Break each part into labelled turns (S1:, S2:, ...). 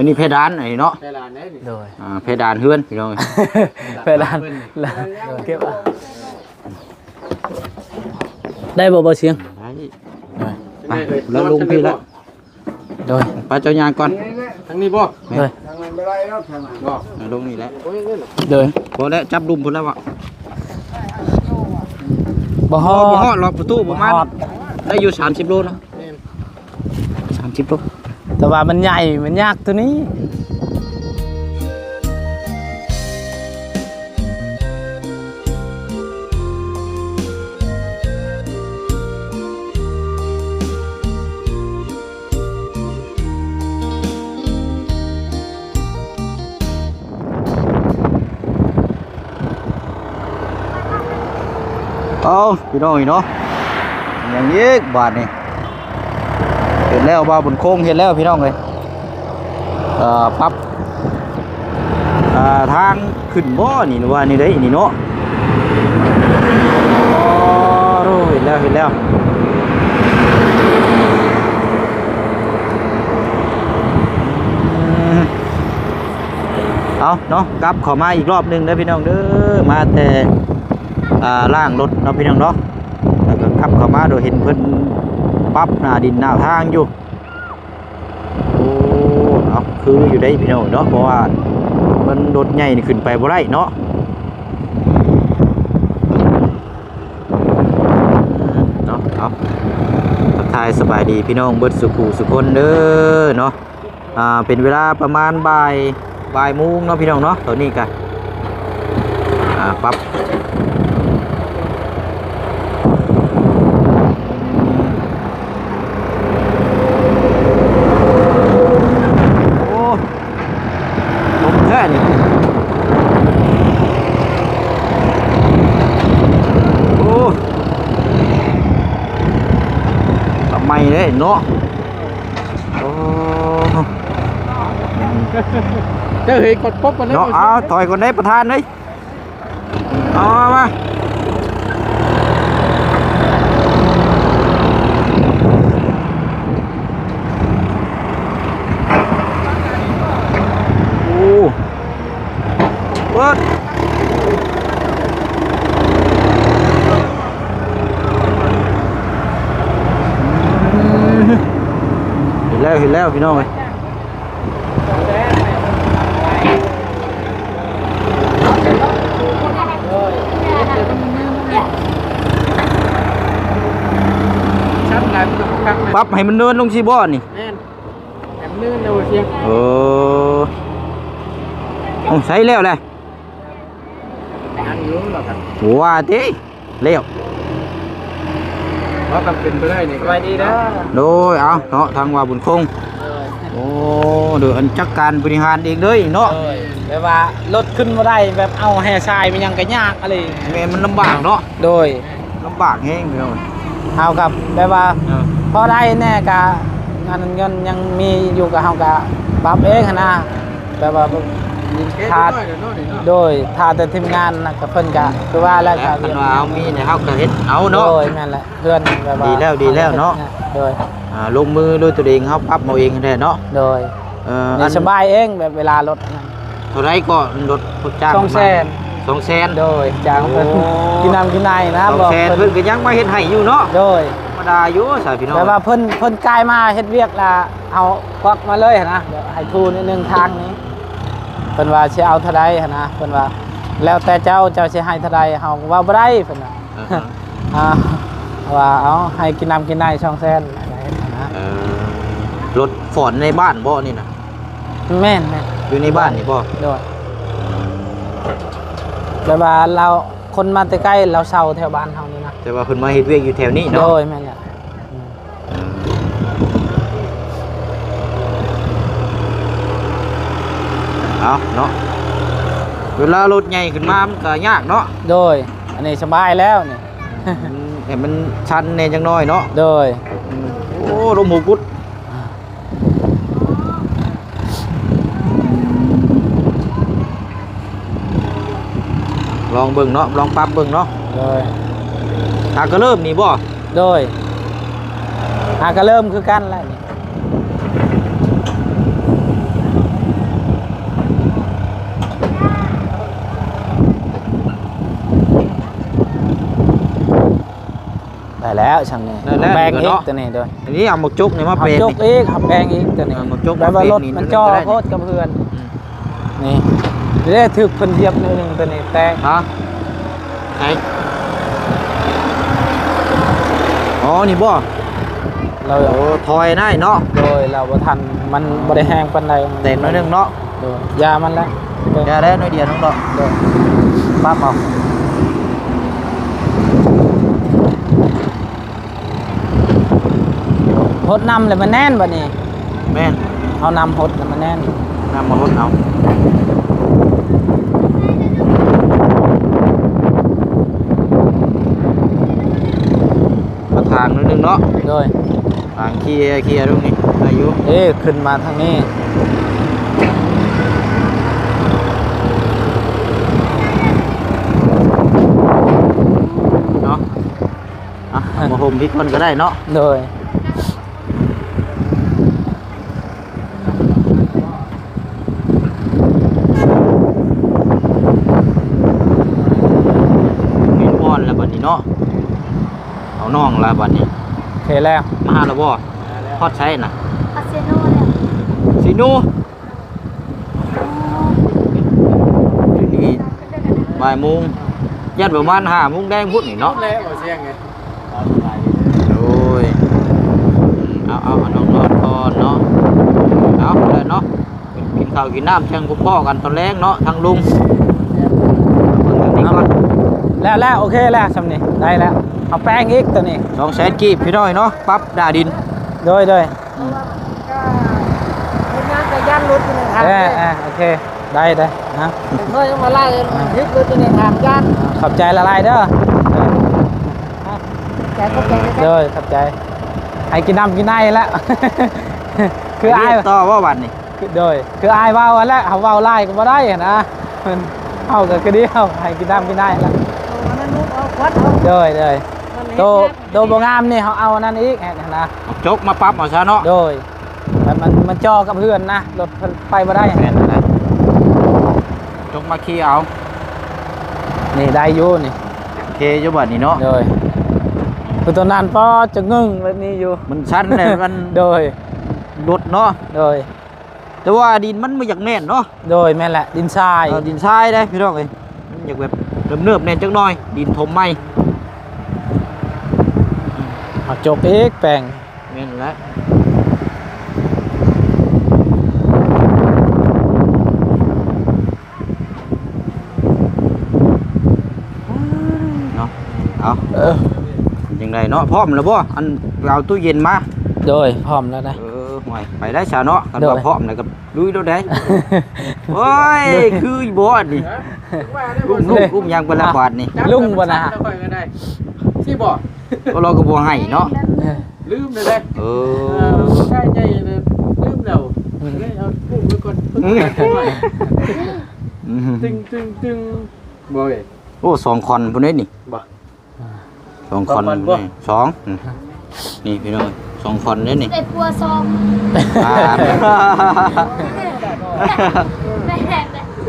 S1: อันนี้เพดานไอ้เนาะ
S2: เพดานได้นี่
S3: โดย
S1: เพดานเฮือนพี่น้อง
S3: เพดานเก็บได้บ่เสียง
S1: ไปแล้วลงพี่แล้ว
S3: โดย
S1: ไปเจ้ายางก่อน
S2: ทางนี้บ่
S3: โดย
S2: ทางนั้นบ่ได้แล้วทางนั้นบ่
S1: ลงนี่แหละ
S3: โดย
S1: พอแล้วจับดุมพุ่นแล้ววะ
S3: บ่ฮอด
S1: ล็อกประตูประมาณได้อยู่30โลนะ30โล
S3: แต่ว่ามันใหญ่มันยากตัวนี้
S1: พี่น้องเนาะอย่างนี้บาทนี่เห็นแล้วว่าบนโค้งเห็นแล้วพี่น้องเลยปั๊บทางขึ้นบ่อนี่ว่านี่ได้นี่เนาะเห็นแล้วเอาเนาะกลับขอมาอีกรอบนึงนะพี่น้องเด้อมาแต่ล่างรถเนาะพี่น้องเนาะแล้วก็ขับเข้ามาโดยเห็นเพิ่นปั๊บหน้าดินหน้าทางอยู่โอ้เอาคืออยู่ได้พี่น้องเนาะเพราะว่ามันรถใหญ่นี่ขึ้นไปบ่ได้เนาะเอาทักทายสบายดีพี่น้องเบิดสุขุสุคนเด้อเนาะเป็นเวลาประมาณบ่ายโมงเนาะพี่น้องเนาะตอนนี้กันปั๊บไม่เลยเนาะโอ้
S2: ก็เฮ้ยกดป๊บกันเลย
S1: เนาะเอาถอยคนได้ประธานเลยเอามาโอ้เบิดเห็นแล้วพี่น้องเลยปั๊บให้มันเนินลงชีบ่อนี่
S2: แม่นให้มันเนินเร็วเสียง
S1: ใส่แล้วแหละ
S2: อันอยู่หรอครับ
S1: ว่าเต้แล้ว
S2: ว่ากันเป็นไปได้นี่ไปดีนะ
S1: โดยเอาเนาะทางว่าบุญคงโอ้เดี๋ยวอันจัดการบริหารเองเลยเนาะ
S3: แบบว่ารถขึ้นมาได้แบบเอาแห่ทรายมันยังก็ยากอะไร
S1: แม่มันลำบากเนาะ
S3: โดย
S1: ลำบากแห้งพี่น้อง
S3: เอากับแบบว่าพอได้แน่กะงานเงินยังมีอยู่กับเฮากะปรับเองนะแบบว่าทาโดยทาแต่ทีมงานนะกับเพิ่นกะคือว่าแล้ว
S1: ก็ว่าเอามีเนี่ยเฮาก็เฮ็ดเอาเนาะ
S3: โดยนั่นแหละเพื่อนแบบว่า
S1: ดีแล้วเนาะ
S3: โดย
S1: ลงมือด้วยตัวเองเฮาปรับเอาเองแท้เนาะ
S3: โดยสบายเองแบบเวลารถ
S1: เท่าไรก็รถจ้าง200,000
S3: โดยจ้างเพิ่นกินน้ำกินในนะ
S1: บอก200,000เพิ่นก็ยังมาเฮ็ดให้อยู่เนาะ
S3: โดย
S1: ธรรมดาอยู่สายพี่น้อง
S3: แต่ว่าเพิ่นกายมาเฮ็ดเวียกละเอาควักมาเลยนะเดี๋ยวให้ทูนิดนึงทางนี้เพิ่นว่าสิเอาเท่าใดนะเพิ่นว่าแล้วแต่เจ้าสิให้เท่าใดเฮาว่าบ่ได้เพิ่นน่ะว่าเอาให้กินน้ำกินใน200,000อะไรนะ
S1: รถฝอนในบ้านบ่นี่นะ
S3: แม่น
S1: อยู่ในบ้านนี่บ่
S3: โดยแต่ว่าเราคนมาใกล้เราเช่าแถวบ้านเฮานี่นะ
S1: แต่ว่าเพิ่นมาเฮ็ดเวียกอยู่แถวนี้เนาะ
S3: โดยแม่นแหละ
S1: เอาเนาะเวลารถใหญ่ขึ้นมามันก็ยากเนาะ
S3: โดยอันนี้สบายแล้วนี่
S1: แต่มันชันแน่จังน้อยเนาะ
S3: โดย
S1: โอ้ลมหูกุดลองเบิ่งเนาะลองปรับเบิ่งเนาะ
S3: โดย
S1: ก็เริ่มนี่บ่
S3: โดยก็เริ่มคือกันแล้วนี่ได้แล้วช่างนี่
S1: ได้แล้ว
S3: แปลงอีก
S1: เนาะ
S3: ตัวนี้ด้วย
S1: อันนี้เอาหมกจุกนี่มา
S3: เอา
S1: เป็น
S3: จกอีกเอาแปลงอีกตัวนี้
S1: เอามาจก
S3: แบบว่ารถ
S1: มาเป็นนี่
S3: มันจ่อ
S1: ได้
S3: โคตรกับเพื่อนนี่เรียกถึกคนเหยียบหนึงตัวนี้แตก
S1: ฮะไหนอ๋อนี่บ่
S3: เรา
S1: โอ้ถอยได้เนาะ
S3: โดยเราบ่ทันมันบ่ได้แห้งปานใด
S1: เต็มน้อยหนึงเนาะ
S3: โดยยามันแล้วโดย
S1: อย่าได้น้อยเดียวน้องดอก
S3: โดย
S1: ปั๊บเอา
S3: หดนำเลยมันแน่นบัดนี้
S1: แม่น
S3: เอานำหดแล้วมันแน่น
S1: นำมาลดเอามาทางนิดนึงเนาะ
S3: โดย
S1: ทางเคลียร์ตรงนี้อายุ
S3: ขึ้นมาทางนี้
S1: เนาะอ่ะเอามาห่มพี่คนก็ได้เนาะ
S3: โดย
S1: มีนอนแล้วบัดนี้เนาะเอาน้องแล้วบัดนี้
S3: โอเคแล้ว
S1: มาหาแล้วบ่ทอดใช้น่ะ
S4: อาเซโน่เลย
S1: สิหนูทีนี้บ่ายโมงยันประมาณ5 โมงแดงพุ่นนี่เนาะ
S2: แล้วบ่เสียงไง
S1: โอ้ยเอาน้องนอนก่อนเนาะเอาเลยเนาะกินข้าวกินน้ำเชียงกุพ่อกันตอนแรกเนาะทางลุงเอาเบิ่งทางนี้ก่อน
S3: แล้วโอเคแล้วสำนี่ได้แล้วเอาแป้งอีกตัวนี้
S1: 200,000 กีบพี่น้อยเนาะปั๊บดาดิน
S3: โดย
S2: ก็เป็นงานแต่ย่านรถอยู่ในทางเลย
S3: โอเคได้นะ
S2: เมื่อมาไล่ยึดรถอยู่ในทางย่าน
S3: ขอบใจละลายเด้อ
S4: ใจก็ใจนะ
S3: โดยขอบใจให้กินน้ำกินไนแล้ว คืออาย
S1: ต่อว่าวันนี้
S3: โดยคืออายเว้าอันแล้วเขาเว้าไล่ก็บ่ได้นะมันเอาก็คือเดียวให้กินน้ำกินไนแล้ว
S4: มันนุ๊กเอาควัดเอา
S3: โดยโตบ่งามนี่เขาเอานั่นอีกนะ
S1: เอาจกมาปั๊บเอาซะเนาะ
S3: โดยแต่มันจ่อกับเพื่อนนะรถไปบ่ได้
S1: แม่นนั่นแหละจกมาขี้เอา
S3: นี่ได้อยู่นี่
S1: โอเคอยู่บัดนี้เนาะ
S3: โดยคือตัวนั้นพอจะงึ่งแบบนี้อยู่
S1: มันชั้นเลยมัน
S3: โดย
S1: รถเนาะ
S3: โดย
S1: แต่ว่าดินมันไม่อยากแน่นเนาะ
S3: โดยแม่นแหละดินทราย
S1: ดินทรายได้พี่น้องเอ้ยมันอยากแบบเนิบๆแน่นจักหน่อย ดินถมไหม
S3: เอาจบอีกแปลง
S1: แม่นแล้วเนาะเอายังไงเนาะพร้อมแล้วบ่อันเอาตู้เย็นมา
S3: โดยพร้อมแล้วนะ
S1: ห่วยไปได้ซะเนาะกัน
S3: โด
S1: ว่าย พร้อมแล้วก็ลุยแล้วได้โอ้ยคือบ่นี่ อุ้มยังเป็นละบาทนี่
S3: ลุงบ่นะฮะ
S2: ที่บอก
S1: ก็เราก็บ่ให้เนาะ
S2: ลืมเลยเลย
S1: เออ
S2: ใช่ใจเลยลืมแล้วเลยเอาพูดไว้ก่อนเพิ่งกันหน่อยตึงบ่อย
S1: โอ้2 คอนพุ่นนี่
S2: บ่
S1: 2 คอน
S2: 2 คอนบ่
S1: นี่สองนี่พี่น้อง2 คอนนี่นี่
S4: ได้ปัวซอง
S1: อ่า
S4: แม่เลย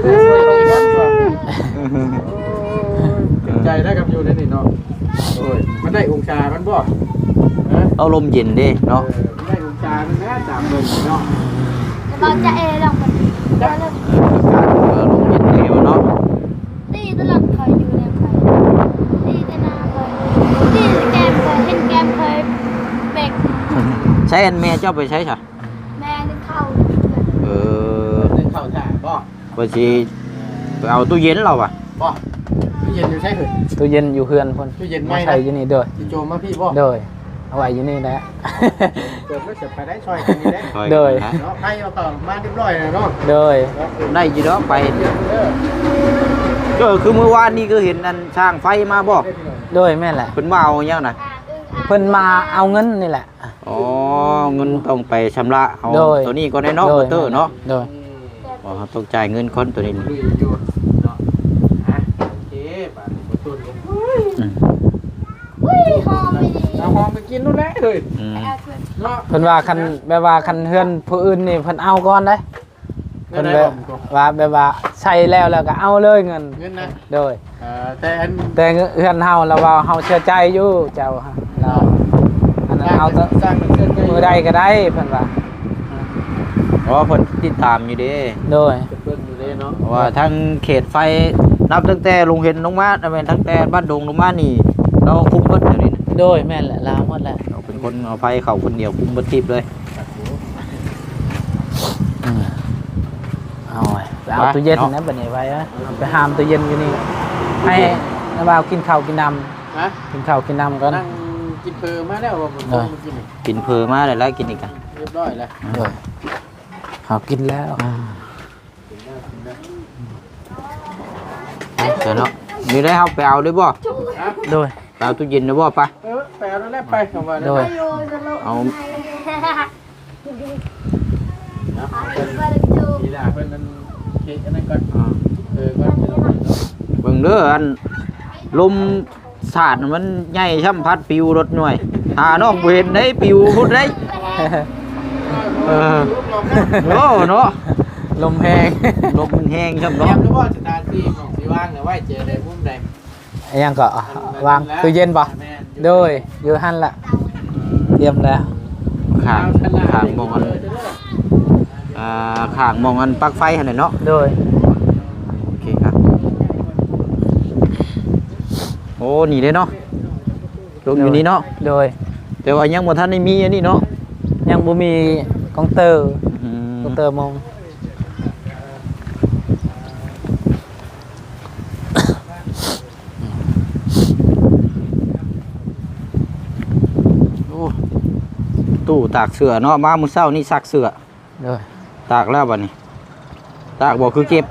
S2: ใจได้กับอยู่ในนี่เนาะโอ้ยมันได้องศามันบ่
S1: เอาลมเย็นเด้เนาะ
S2: ได้องศามันนะตามเบิ่งเนาะ
S4: เราจะเอลองมันเราเริ่ม
S1: เอาลมเย็นเร็วเนาะ
S4: ตีตลอดเคยอยู่ในเคยตีแต่นาเคยตีแกมเคยเห็นแกมเคยเบก
S1: ใช้อันแม่เจ้าไปใช้ซะ
S4: แม่นึกเข้า
S1: เออ
S2: นึงเข้าท่าบ่
S1: ว่าสิไปเอาตู้เย็นเราอ่ะ
S2: บ่ตู้เย็นอยู่ใช่เหรอ
S3: ตู้เย็นอยู่เพื่อนคน
S2: ตู้เย็น
S3: มา
S2: ไม่
S3: ใส่
S2: นะ
S3: อยู่นี่โดย
S2: ที่โจมมาพี่บ่
S3: โดยเอาไว้อยู่นี่แหละ
S2: เกิดไม่เสร็จไปได้ช่วยกันนี่ได้
S1: ช่ว
S3: โดย
S1: กันนะ
S2: เนาะให้เอาต่อมาเรียบร้อยแล้วเนาะ
S3: โดย
S1: ได้อยู่เนาะไป
S2: เด้อ
S1: ก็คือเมื่อวานนี้ก็เห็นอันช่างไฟมาบ่
S3: โดยแม่นแหละ
S1: เพิ่นมาเอาหยังน่ะ
S3: เพิ่นมาเอาเงินนี่แหละ
S1: อ๋อเงินต้องไปชำระเอา
S3: โดย
S1: ตัวนี้ก็ได้เนาะ
S3: โด
S1: มอย เตอร์เนาะ
S3: โดย
S1: อ๋อต้องจ่ายเงินคนตัวนี้
S2: ลุยอยู่เนาะอ่ะโอเคบาดนี้บ่ตุนกัน
S1: อืม
S4: อุ้ยหอมไม่ดี
S2: เอาหอมไปกินนู่นแหละเฮ้ย
S1: อืม
S4: เอาช่วย
S2: เนาะ
S3: เพิ่นว่าคันแบบว่าคันเฮือนผู้อื่นนี่เพิ่นเอาก่อนได้เพิ่นแบบว่าแบบว่าใช้แล้วก็เอาเลยเงิน
S2: เงินนะ
S3: โดย
S2: แต่อัน
S3: แต่เฮือนเฮาเราว่าเฮาเชื่อใจอยู่เจ้าฮะเราอันนั้นเอา
S2: สร้างเกินไป
S3: มือใดก็ได้เพิ่นว่า
S1: เพราะว่าเพิ่นติดตามอยู่เด้
S3: โดย
S2: เพิ่นอยู่เลยเนาะ
S1: เพราะว่าทั้งเขตไฟนับตั้งแต่ลงเห็นลงมาแม่นตั้งแต่บ้านดงลงมานี่เราคุมเบิดเดี๋ยวนี้นะ
S3: โดยแม่นแหละลาวหมดแหละ
S1: เราเป็นคนเอาไฟเข้าคนเดียวคุมเบิดทิพย์เลย
S3: เอาไว้ไปเอาตู้เย็นนะบัดนี้ไว้นะเอาไปหามตู้เย็นอยู่นี่ให้นาบ่าวกินข้าวกินน้
S2: ฮะ
S3: ำกินข้าวกินน้ำก่อน
S2: นั่งกินเพอมาแล้วบ่ผมกินนี่
S1: กินเพอมาเลยแล้วกินอีกอ่ะ
S2: เรียบร้อยแล้ว
S3: โดยข้าวกินแล้ว
S1: เดี๋ยวเนาะมีได้เอาไปเอาด้วยบ่
S2: ฮะ
S3: โดย
S1: ไปเอาตู้เย็นด้วยบ่ปะ
S2: ไปเอาแล้วไปคำว่า
S3: โดย
S1: เอา
S2: ทีละเพิ่นนั้นเฮ็ดอันนั้นก่อนก่อน
S1: เบิ่งเด้ออันลมสาดมันใหญ่ช่ำพัดปิวรถหน่วยหาน้องบ่เห็นได้ปิวพุ่นได้โอ้เนาะ
S3: ลมแห้ง
S1: ลมมันแห้งช่ำ
S2: เตรีย
S1: เนาะ
S2: มแล้วบ่สถานที่ของสิว่างเนี่ยไว้เจอได้มุมใด
S3: ยังก็วางตู้เย็นป่ะโดยอยู่หั่นละเตรียมแล้ว
S1: ข้างมองอันข้างมองอันปลั๊กไฟหั่นน่ะเนาะ
S3: โดย
S1: โอเคครับโอ้นี่เด้เนาะลงอยู่นี่เนาะ
S3: โดย
S1: แต่ว่ายังบ่ทันได้มีอันนี้เนาะ
S3: ยังบ่มีกองเตอร์
S1: อืม
S3: กองเตอร์มอง
S1: โอ้ตู้ตากเสื้อเนาะมามื้อเช้านี่ซักเสื้อ
S3: โดย
S1: ตากแล้วบัดนี้ตากบ่คือเก็บ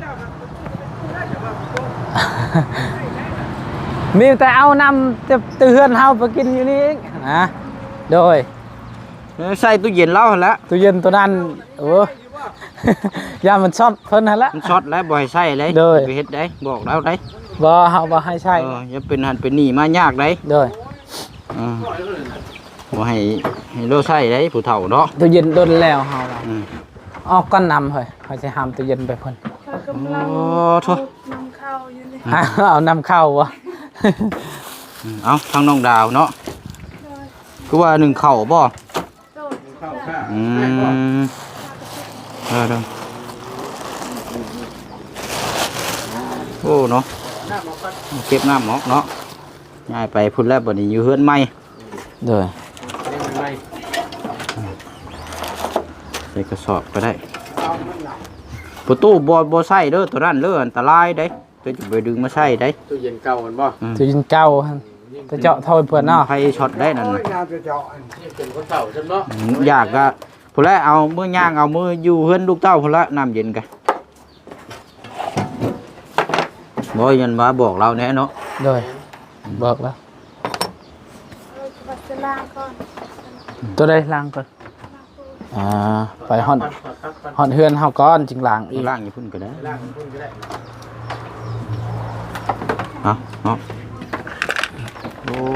S3: มีแต่เอานำจะเตือนเฮาไปกินอยู่นี่เองนะโดย
S1: ใส่ตู้เย็นแล้วหั่นละ
S3: ตู้เย็นตัวนั้นโอ้ ยามันช็อตเพิ่นหั่นละ
S1: มันช็อตแล้วบ่ให้ใช้เลย
S3: โดย
S1: ไปเฮ็ดได้บอกแล้วได้
S3: บ่เฮาบ่ให้ใช้
S1: อย่าเป็นหันเป็นนี่มายากได้
S3: โดย
S1: บ่ให้เราใช้ได้ผู้เฒ่าเนาะ
S3: ตู้เย็นโดนแล้วเฮาล่ะ
S1: อืม
S3: ออกก้อนนำเฮ้ยเขาสิหามตู้เย็นไปเพิ่น
S1: โอ้โถ
S3: เอานำเข้าวะ
S1: เอาทางน้องดาวเนาะคือว่าหนึ่งเข่าบ่
S2: เข้าข้า
S1: อืมเด้อโอ้เนาะ
S2: น้ำออกก่อน
S1: เก็บน้ำออกเนาะย้ายไปพุ่นแล้วบัดนี้อยู่เฮือนใหม่
S3: โดย
S2: เรียกมันไว้
S1: ใส่กระสอบก็ได้
S2: เอามันหลับ
S1: ประตูบ่ใส่เด้อตัวนั้นเด้ออันตรายได้ตัวจะไปดึงมาใส่ได้
S2: ตู้เย็นเก่ามันบ่
S3: ตู้เย็นเก่าหั่นจะเจาะเท่าเพิ่นเนาะ
S1: ไฟช็อตได้นั่นน่ะ
S2: นี่เป็นคนเก่าใช่ไหมเนาะ
S1: อยากก็พุ่นแล้วเอามือย่างเอามืออยู่เฮือนลูกเต้าพุ่นละน้ำเย็นกันบ่ยันมาบอกเราแน่เนาะ
S3: โดยบอกแล้วตัวใดล้างก่อนไปฮอดเฮือนเฮาก่อนจึงล้างอีก
S1: ล่างอยู่พุ่นก็ได้
S2: ล่างพุ่นก็ได้
S1: เอาเนาะโอ้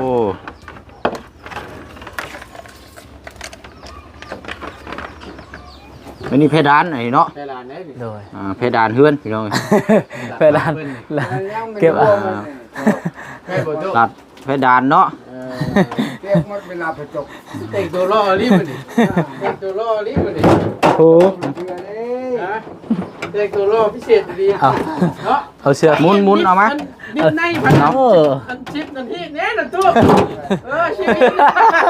S1: อันนี้เพดานไอ้เนาะ
S2: ใช่ลานได้นี่
S3: โดย
S1: เพดานเฮือนพี่น้อง
S3: ไปล้างเก็บ
S2: แม่บ่โต
S1: ตัดเพดานเนาะ
S2: เก็บหมดเวลาประจบแต่งตัวล่อรีบมาดิแต่งตัวล่อรีบมาดิ
S3: โอ้
S2: นะแต่งตัวล่อพิเศษดี
S3: เอา
S2: เนาะ
S3: เอาเชือก
S1: หมุนเอามา
S2: นิดในพัน
S3: เออ
S2: พันชิปนั่นที่เนี่ยนะตัวชีวิต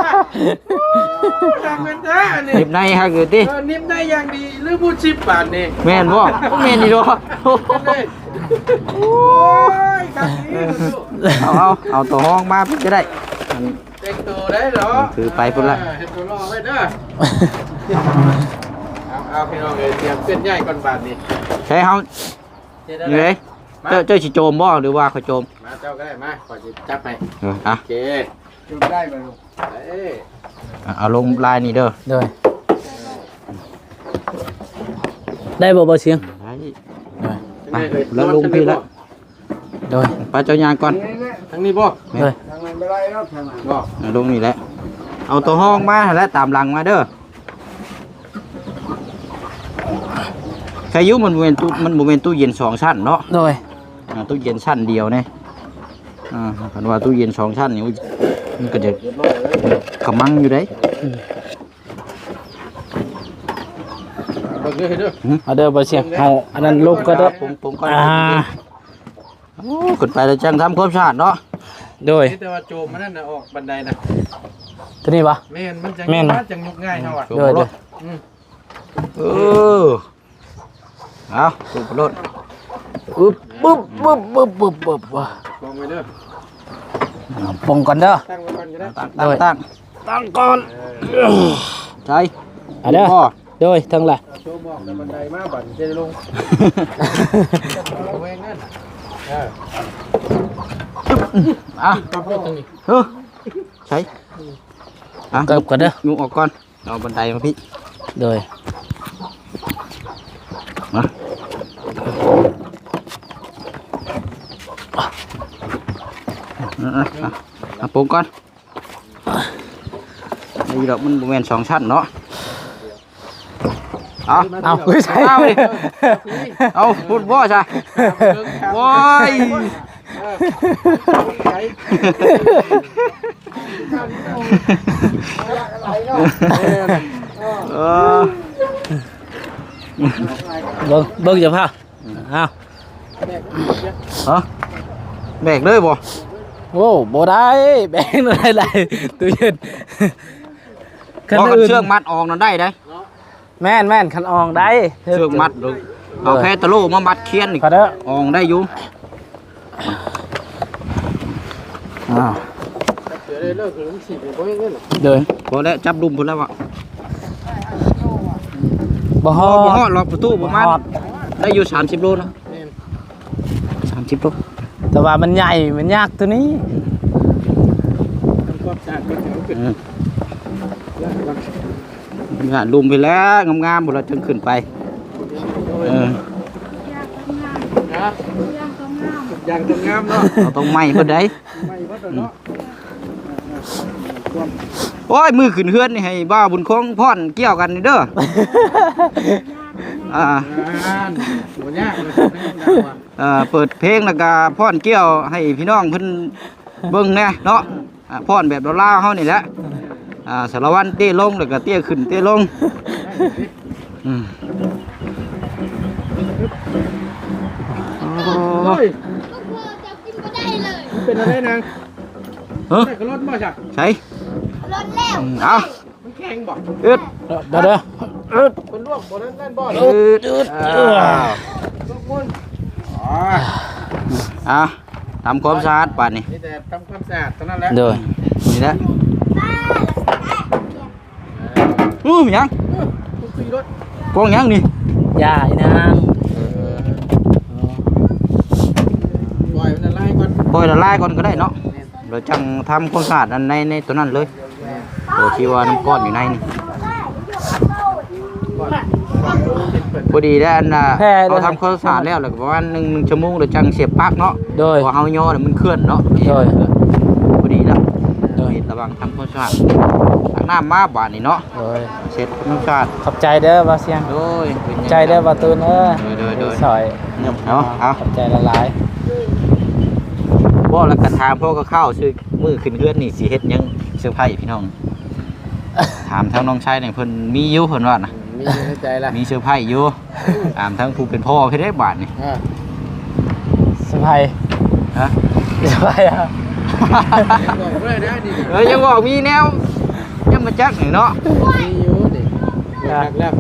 S2: ทำเป็นแท้นี่
S1: หยิบในฮะคือติ
S2: นิ่มได้อย่างดีหรือพูดชิปบาทนี่
S1: แม่นบ่แม่นนี่เนาะ
S2: โอ้ยครับนี่
S1: เอาตัวห้องมาพี่ก็ได้
S2: แต่งตัวได้เหรอ
S1: ถือไปพุ่นละ
S2: เห็นตัวล่อไว้เด้อเอาพี่น้องเลยเตรียมเส้นใหญ่ก่อนบาทนี่
S1: ใช้เฮานี่เลยเจ้าสิโจมบ่หรือว่าเขาโจม
S2: มาเจ้าก็ได้มาขอจะจับไป
S1: อ่ะ
S2: โอเคจุดได้ไหมลูกเอ้ย
S1: เอาลงลายนี่เด้อ
S3: โดยได้บ่เสียง
S1: ไปแล้วลงพี่ละ
S3: โดย
S1: ไปเจ้ายางก่อน
S2: ทั้งนี้บ่
S3: โดย
S2: ทางนั้นไม่ได้แล้วทางนั้นบ่
S1: ลงนี่แหละเอาตัวห้องมาแล้วตามหลังมาเด้อใครยุมันบ่แม่นตู้เย็น2ชั้นเนาะ
S3: โดย
S1: ตู้เย็นชั้นเดียวเนี่ยคันว่าตู้เย็น2ชั้นนี่มันก็จะกำมังอยู่ได้
S2: เบิ่งเด้อ
S3: เอาเด้อบ่เสียงเอาอันนั้นลูกก็เด้อ
S1: ผมก็โอ้ขึ้นไปแล้วจังทำความสะอาดเนาะ
S3: โดย
S2: แต่ว่าโจมมันนั่นน่ะออกบันไดน่ะ
S3: ตัวนี้ปะ
S2: แม่นมันจัง
S3: แม่น
S2: จังยกง่ายเฮาอ่ะ
S3: โดยโดย
S1: เออเอาสูบรถ
S3: ปึ๊บปึ๊บปึ๊บปึ๊บปึ๊บปึ๊บว่ะ
S2: ลองไปเด้อ
S3: เอาปงก่อนเด้อ
S2: ตั้งไว้ก่อนก็ได้
S1: ตั้งก่อนใจ
S3: เอาเด้อ
S1: พ่อ
S3: โดยทั้งหลาย
S2: โจมบอกแต่บันไดมาบัดจะลงเอาแวงนั่นเออ
S1: อ่ะ
S2: ปรับรถตรงนี้
S1: ใช่อ่ะ
S3: เกิบก่อนเด้อ
S1: ยุงออกก่อนเอาบันไดมาพี่
S3: โดย
S1: มาเอาปรุงก่อนนี่ดอกมันบแม่น2 ชั้นเนาะเอา
S3: เอาใช่
S1: เอาดิเอาพูดบ่ใช่โอ้ยเออ
S3: เบิ่งจะพาเอา
S1: ฮะแบกเลยบ่
S3: โอ้บ่ได้แบ่งอะไรหลายตู้เย็น
S1: พอกันเชือกมัดออกนั่นได้ได้
S3: แม่นคันอองได้
S1: เชือกมัดเลยเอาแพตะโลมามัดเคียนนี่
S3: ขอเด้อ
S1: ออกได้อยู่อ้าว
S2: เดี๋ยวได้เลิกคือมันสิบ่ยังเงินหรอ
S3: โดย
S1: พอแล้วจับดุมพุ่นแล้ววะ
S3: บ่ฮอ
S1: บ่ฮอดล็อกประตูประมาณ
S3: ฮอด
S1: ได้อยู่30 โลนะ
S2: แม่น
S1: 30 โล
S3: แต่ว่ามันใหญ่มันยากตัวนี้
S2: ทำความสะอาดก็ถึงขึ้นแล้วก็
S1: งานลุมไปแล้วงามๆบ่เราจึงขึ้นไปเออ
S2: นะอย่างตรงงามเนาะ
S1: เราต้องไหม้เพิ่นได้
S2: ไม่ว่าเนาะ
S1: โอ้ยมือขึ้นเฮือนนี่ให้บ้าบุญคงพรเกี่ยวกันนี่เด้ออ่า
S2: บ่ยากเลย
S1: เปิดเพลงแล้วก็พรเกี่ยวให้พี่น้องเพิ่นเบิ่งแน่เนาะพรแบบลาวๆเฮานี่แหละสารวัตรเต้ลงแล้วก็เต้ขึ้นเต้ลงอืมโอ้
S2: โอ้ย
S4: ก็คือจะกินก็ได้เลย
S2: เป็นอะไรนาง
S1: เฮ้ย
S2: แต่ก็รถมาจาก
S1: ใช่
S4: รถแล้ว
S1: เอา
S2: มันแข็งบ่
S1: อึด
S3: เด้อ
S2: มันลวกบ่นั่นบ่
S1: อึดอ้าว
S2: ลวกมัน
S1: ทำความสะอาดป่านนี้
S2: นี่แต่ทำความสะอาดเท่านั้นแหละ
S3: โดย
S1: นี่แหละมีหยัง
S2: คุยรถ
S1: กองหยังนี่
S3: อย่าอีนาง
S2: ปล่อยมันละลายก่อน
S1: ปล่อยละลายก่อนก็ได้เนาะเดี๋ยวจังทำความสะอาดอันในตัวนั้นเลยตัวที่ว่าน้ำก้อนอยู่ในนี่พอดีได้อันน่ะเราทำความสะอาดแล้วแล้วก็ประมาณ1 ชั่วโมงเดี๋ยวจังเสียบปลั๊กเนาะ
S3: โดย
S1: พอเฮาย่อแล้วมันเคลื่อนเนาะ
S3: โดย
S1: พอดีแล้ว
S3: โดย
S1: ระวังทำความสะอาดตักน้ำมาบาดนี่เนาะ
S3: โดย
S1: เสร็จความสะอาด
S3: ขอบใจเด้อว่าเสียง
S1: โดยเป็น
S3: ใจเด้อว่าตูนเอ้ย
S1: โดย
S3: สอย
S1: เนาะเอา
S3: ขอบใจละลาย
S1: บ่แล้วก็ถามพ่อก็เข้าชื่อมือขึ้นเฮือนนี่สิเฮ็ดหยังเซอร์ไพรส์พี่น้อง ถามทางน้องชายนี่เพิ่นมีอยู่เพิ่นว่าน่ะ
S2: มีในใจละ
S1: มีเซอร์ไพรส์อยู่ถามทางผู้เป็นพ่อเพิ่นได้บาดนี่
S3: สบาย
S1: ฮะ
S3: สบายอ่ะ
S2: บอกเลยนะดิ
S1: ยังบอกมีแนวยังมาจักนี่เนาะ
S2: มีอยู่ดิหลักแล้ว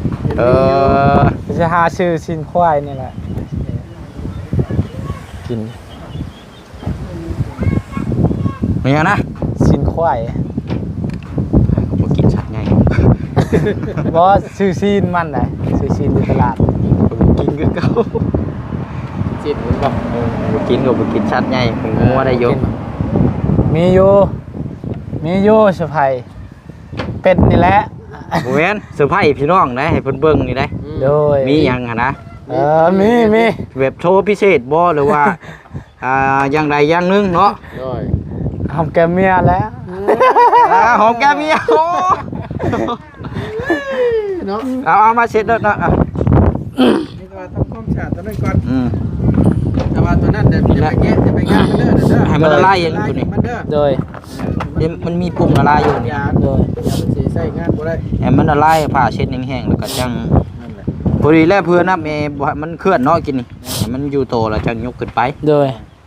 S3: จะหาชื่อชินควายนี่แหละกิน
S1: มีหยังนะ
S3: ชินควาย
S1: บ่กินชัดไง
S3: บอชื่อซีนมันไหนชื่อซีนในตลาด
S1: บ่กินคือเก่า
S2: จิตมันบอก
S1: บ่กินก็บ่กินชัดไงผมงัวได้อยู่
S3: มีอยู่สบายเป็ดนี่แหละ
S1: บ่แม่นเซอร์ไพรส์พี่น้องนะให้เพิ่นเบิ่งนี่ได้
S3: โดย
S1: มีหยังหั่นนะ
S3: มี
S1: แบบโชว์พิเศษบ่หรือว่า อย่างใดอย่างหนึงเนาะ
S2: ด้วย
S3: หอมแกมเมียแล้ว
S1: หอมแก้มเมียโอ้
S2: เนาะ
S1: เอามาเสร็จแล้วนะ
S2: นี่ก็ทำความสะอาดตอนนั้นก่อน
S1: อืม
S2: เอาว่าตัวนั้นจะไปแกะมันเด้อเด้อ
S1: ให้มันละลายอย่างนี้ตัวนี้
S2: มันเด้อ
S3: โดย
S1: เดี๋ยวมันมีปุ่มละลายอยู่นี่
S2: ยาโดยมันสิใช้งานบ่ได้
S1: ให้มันละลายผ้าเช็ดแห้งๆแล้วก็จัง
S2: นั่นแหละ
S1: พอดีแล้วเพื่อนนับบ่ให้มันเคลื่อนเนาะกินนี่ให้มันอยู่โตแล้วจังยกขึ้นไป
S3: โดย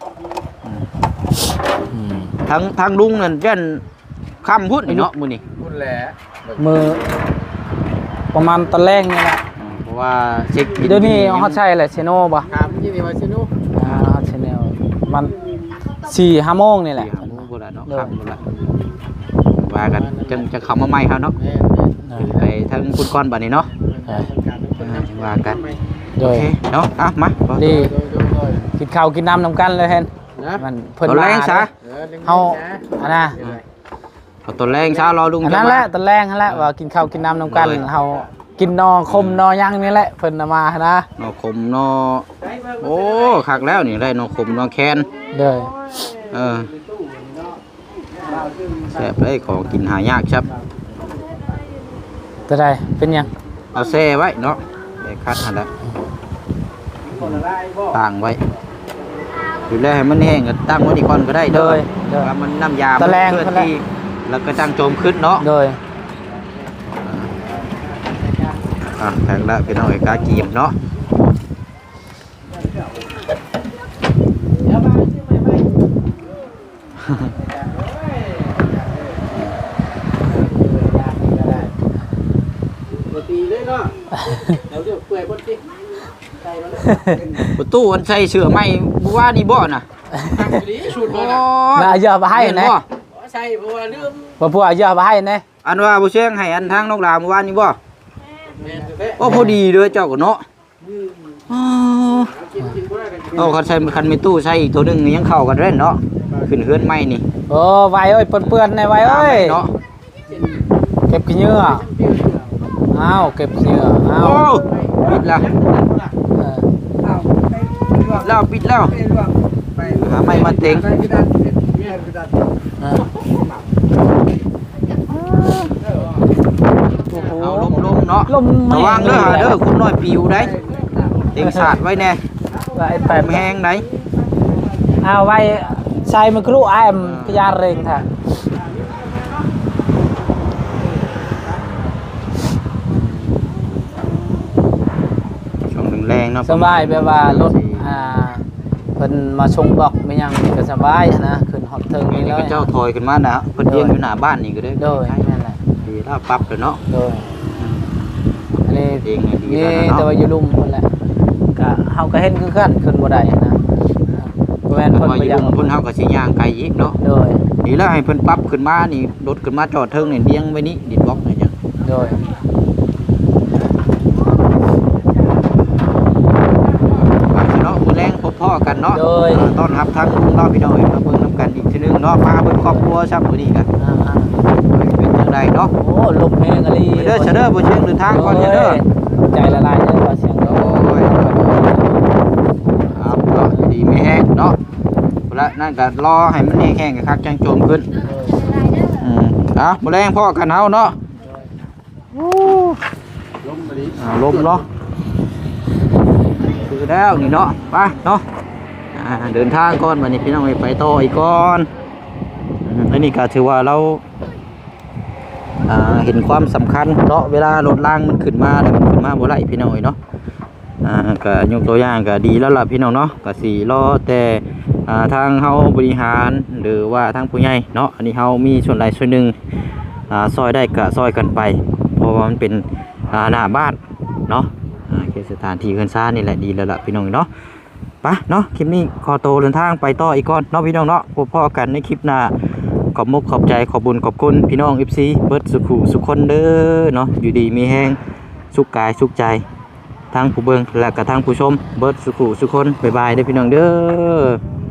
S1: ทางลุงนั่นยันค่ำพุ่นนี่เนาะมื้อนี้
S2: พุ่นแหละ
S3: มือประมาณตะแรงนี่แหละ
S1: เพราะว่าเช็คบิ
S3: เดี๋ยวนี้เขาใช้แหละเชโน่ป่ะ
S2: ครับที่นี่ว่าซินู
S3: เขาใช้แนวมัน4-5 โมงนี่แหละ
S1: 4-5 โมงพุ่นละเนาะค่ำพุ่นละว่ากันจังจะเข้ามาใหม่ครับเนาะ
S2: แม่
S1: ไปทางคุณก้อนบัดนี้เนาะ ว่ากัน
S3: โด
S1: โอย เคเนาะอ่ะมา
S3: ดี
S2: โดย
S3: กินข้าวกินน้ำนำกันเลยเห็น
S2: นะ
S3: มันเพิ่น
S1: ตอนแรงซะ
S3: เฮาอันน่ะ
S1: เอาตอนแรงเช้ารอลุง
S3: อันนั้นแหละตอนแรกนั่นแหละว่ากินข้าวกินน้ำนำกันเฮากินนอคมนอย่างนี่แหละเพิ่นเอามานะ
S1: นอขมนอโอ้คักแล้วนี่ได้นอขมนอแคน
S3: เด้อ
S1: แซ่บเลยของกินหายากครับ
S3: จะได้เป็นหยัง
S1: เอาแซ่ไว้เนาะได้คัดหั่นแหละต่างไว้อยู่แล้วให้มันแห้งก็ตั้งไว้อีกก่อนก็ได้
S3: โด
S1: เด้อย
S3: เด้อ
S1: ว่ามันน้ำยา
S3: ตะแรง
S1: เคลื่อน
S3: ตะแรง
S1: ที่แล้วก็ตั้งโจมขึ้นเนาะ
S3: โดย
S1: แข็งแล้วพี่น้องไอ้กากีบเนาะ
S2: ตีเลยเนาะเดี๋ยวเปื่อยบ่ติใส่แล้ว
S1: ประตูมันใส่เสื้อไหมบัวนี่บ่น่ะ
S2: ตั้งดีชุด
S1: โอ้
S2: บ่น่ะ
S3: น่าเอาเยอะมาให้
S1: เห็น
S3: นะ
S1: บ่
S2: ใช่เพราะว่าลืม
S3: บ่พวกเอาเยอะมาให้นะ
S1: อันว่าบ่เชียงให้อันทางนกลาเมื่อวานนี่บ่
S2: แม่นแท้
S1: โอ้พอดีเด้อเจ้าก็เนาะอ๋อ
S2: กินบ่ได้ก็กิน
S1: เอาคันมีตู้ใส่อีกตัวหนึงยังเข้ากันเด้เนาะขึ้นเฮือนใหม่นี่
S3: โอ้ไว้เอ้ยเปื้อนๆในไว้เอ้ย
S1: เนาะ
S3: เก็บขี้เหงื่ออ้าวเก็บขี้เหงื่ออ้าว
S1: โอ้ปิดแล้ว
S3: เออ
S1: แล้วปิดแล้วหาไม้มาเต็ง
S3: เออ
S1: เอาลมๆเนาะ
S3: ลม
S1: ระวังเด้อหาเด้อคุณน้อยปิวได้เต็งสาดไว้แน่
S3: ไว้แป
S1: แป
S3: ด
S1: มแห้งได้
S3: เอาไว้ใส่มะกรูดอ้มพยาเร่งท่ะ
S1: ช่วงแรงๆเนาะ
S3: สบายแบบว่ารถเพิ่นมาชงบอกไม่ยังก็สบายนะขึ้นฮอตเทิง
S1: นี่
S3: นี่เลย
S1: ก็เจ้าถอยขึ้นมานะเพิ่นเลี้ยงอยู่หน้าบ้านนี่ก็ได้
S3: โดยนั่นแหละ
S1: ดีถ้าปรับเลยเนาะ
S3: โดยอันนี้
S1: เองดี
S3: นี่
S1: แล้ว
S3: แต่
S1: เนาะ
S3: ว่าอยู่ลุ่มเพิ่นแหละก็เฮาก็เห็นคือกันขึ้นบ่ได้นะบ่แม่น
S1: เพิ่
S3: เพิ่
S1: น
S3: น
S1: มา
S3: บ่
S1: อ
S3: อยาก
S1: ยู่เพิ่นเฮาก็สิย่างไกลอีกเนาะ
S3: โดย
S1: ดีแล้วให้เพิ่นปรับขึ้นมานี่รถขึ้นมาจอดเทิงนี่เลี้ยงไว้นี่ดินบล็อกนี่จ้ะ
S3: โดย
S1: ฝากเนาะมื้อแรงพบพ่อกันเนาะ
S3: โดย
S1: ต้อนรับทางลุงเนาะพี่น้องเอ้ยมาเบิ่งนํกันอีกทีนึงเนาะมาเบิ่งครอบครัวซับมื้อนี้กัน
S3: อ่า
S1: เป็นจังไดเนาะ
S3: ๆโอ้ลมแห้งอะลี
S1: ไปเด้อเชเด้อบ่เชียงเดินทางก่อนเด้อ
S3: ใจละลายเด้อว่าเสียง
S1: โอ้ยครับเนาะดีไม่แห้งเนาะแล้วนั่นก็รอให้มันแห้งๆคักจังโจมขึ้นมื้อแรงพ่อกันเฮาเนาะ
S2: ล้มมาดิ
S1: ลมเนาะคือแล้วนี่เนาะไปเนาะเดินทางก่อนวันนี้พี่น้องไปต่ออีกก่อนอันนี้ก็ถือว่าเราเห็นความสำคัญเนาะเวลารถล่างมันขึ้นมาแล้วมันขึ้นมาบ่ไหลพี่น้องเนาะก็ยกตัวอย่างก็ดีแล้วล่ะพี่น้องเนาะก็สิรอแต่ทางเฮาบริหารหรือว่าทางผู้ใหญ่เนาะอันนี้เฮามีส่วนใดส่วนหนึ่งซอยได้ก็ซอยกันไปเพราะว่ามันเป็นหน้าบ้านเนาะเขตสถานที่เฮือนซ่านนี่แหละดีแล้วล่ะพี่น้องเนาะไปเนาะคลิปนี้ขอโตวเดินทางไปต่ออีกก่อนเนาะพี่น้องเนาะพบพ่อกันในคลิปหน้าขอบมุกขอบใจขอบบุญขอบคุณพี่น้อง FC เบิดสุขุสุขคนเด้อเนาะอยู่ดีมีแห้งสุขกายสุขใจทั้งผู้เบิ่งและก็ทั้งผู้ชมเบิดสุขุสุขคนบ๊ายบายเด้อพี่น้องเด้อ